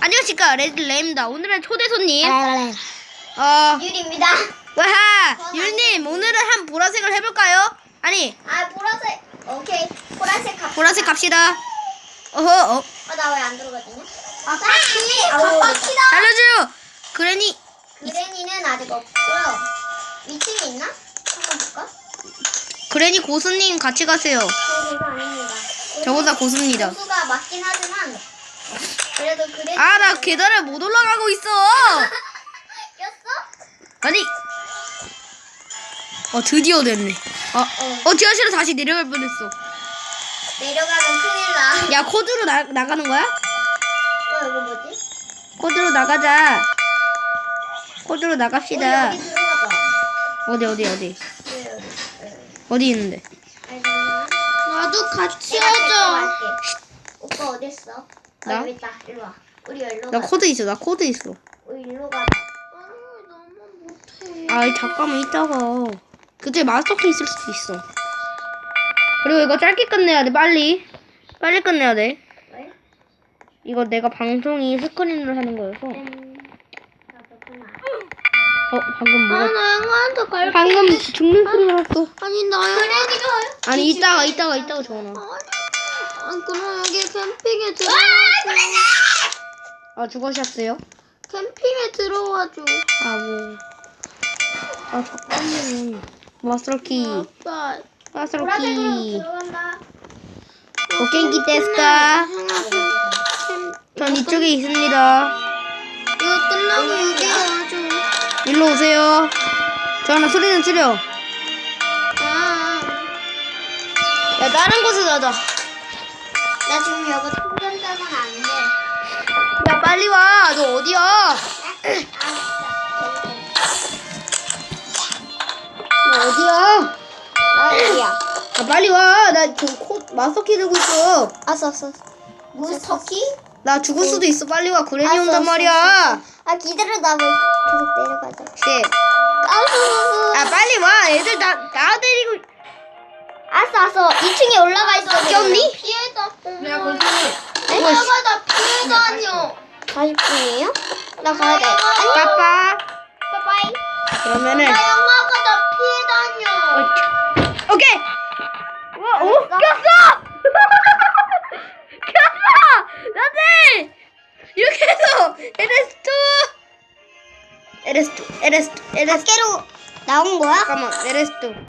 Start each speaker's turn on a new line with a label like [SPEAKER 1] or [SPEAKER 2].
[SPEAKER 1] 안녕하십니까, 레드레입니다. 오늘은 초대 손님
[SPEAKER 2] 유리입니다.
[SPEAKER 1] 와하 유리님, 오늘은 한 보라색을 해볼까요? 아니,
[SPEAKER 2] 보라색. 오케이. 보라색 갑시다.
[SPEAKER 1] 보라색 갑시다. 어허.
[SPEAKER 2] 나 왜 안 들어가지냐? 갑시다.
[SPEAKER 1] 알려줘요. 그레니.
[SPEAKER 2] 그레니는 아직 없고요. 위층이 있나? 한번 볼까?
[SPEAKER 1] 그레니 고수님 같이 가세요.
[SPEAKER 2] 그거 아닙니다.
[SPEAKER 1] 저보다 고수입니다.
[SPEAKER 2] 고수가 맞긴 하지만 그래도 그레니.
[SPEAKER 1] 나 계단을 못 올라가고 있어.
[SPEAKER 2] 꼈어?
[SPEAKER 1] 아니. 드디어 됐네. 지하실로 다시 내려갈 뻔했어.
[SPEAKER 2] 내려가면 큰일 나.
[SPEAKER 1] 야, 코드로 나가는 거야?
[SPEAKER 2] 이거 뭐지?
[SPEAKER 1] 코드로 나가자. 코드로 나갑시다.
[SPEAKER 2] 여기 들어가자.
[SPEAKER 1] 어디? 어디 있는데?
[SPEAKER 2] 나도 같이 하자. 오빠 어딨어?
[SPEAKER 1] 나?
[SPEAKER 2] 여기 있다. 일로 와. 우리 일로
[SPEAKER 1] 나
[SPEAKER 2] 가자.
[SPEAKER 1] 코드 있어.
[SPEAKER 2] 우리 일로 가자.
[SPEAKER 1] 너무 못해. 잠깐만 이따가. 그때 마스터키 있을 수도 있어. 그리고 이거 짧게 끝내야 돼. 빨리 끝내야 돼.
[SPEAKER 2] 왜?
[SPEAKER 1] 이거 내가 방송이 스크린으로 하는 거여서. 방금 뭐가?
[SPEAKER 2] 나 영화한테 갈게.
[SPEAKER 1] 방금 죽는 소리 났어.
[SPEAKER 2] 아니 나 그레니가.
[SPEAKER 1] 아니 이따가 전화.
[SPEAKER 2] 그럼 여기 캠핑에
[SPEAKER 1] 죽으셨어요?
[SPEAKER 2] 캠핑에 들어와줘.
[SPEAKER 1] 잠깐만요. 마스터키. 마스터키.
[SPEAKER 2] 들어간다.
[SPEAKER 1] 오케이 데스까? 전 이쪽에 있습니다.
[SPEAKER 2] 이거 끝나고 여기 와줘.
[SPEAKER 1] 일로 오세요. 전화 소리는 줄여. 야, 다른 곳에 가자.
[SPEAKER 2] 나 지금 여기 통전자는 안 돼.
[SPEAKER 1] 야, 빨리 와. 너 어디야? 너 어디야?
[SPEAKER 2] 여기야.
[SPEAKER 1] 빨리 와. 나 지금 마스터키 들고 있어.
[SPEAKER 2] 알았어. 무슨 터키?
[SPEAKER 1] 나 죽을 수도 있어. 빨리 와. 그레니 온단 말이야.
[SPEAKER 2] 기다려. 나 계속 내려가자. 알았어.
[SPEAKER 1] 빨리 와. 애들 나 데리고.
[SPEAKER 2] 알았어. 2층에 올라가 있어.
[SPEAKER 1] 꼈니?
[SPEAKER 2] 피해다.
[SPEAKER 1] 야, 거기.
[SPEAKER 2] 나 피해 다녀. 40분이에요? 나 가야 돼. 안녕.
[SPEAKER 1] 빠빠.
[SPEAKER 2] 빠빠이.
[SPEAKER 1] 그러면은.
[SPEAKER 2] 영화가 나 피해 다녀.
[SPEAKER 1] 오케이. 꼈어. 꼈어. 나들. 이렇게 해서 LS2.
[SPEAKER 2] 밖으로 나온 거야?
[SPEAKER 1] 잠깐만. LS2.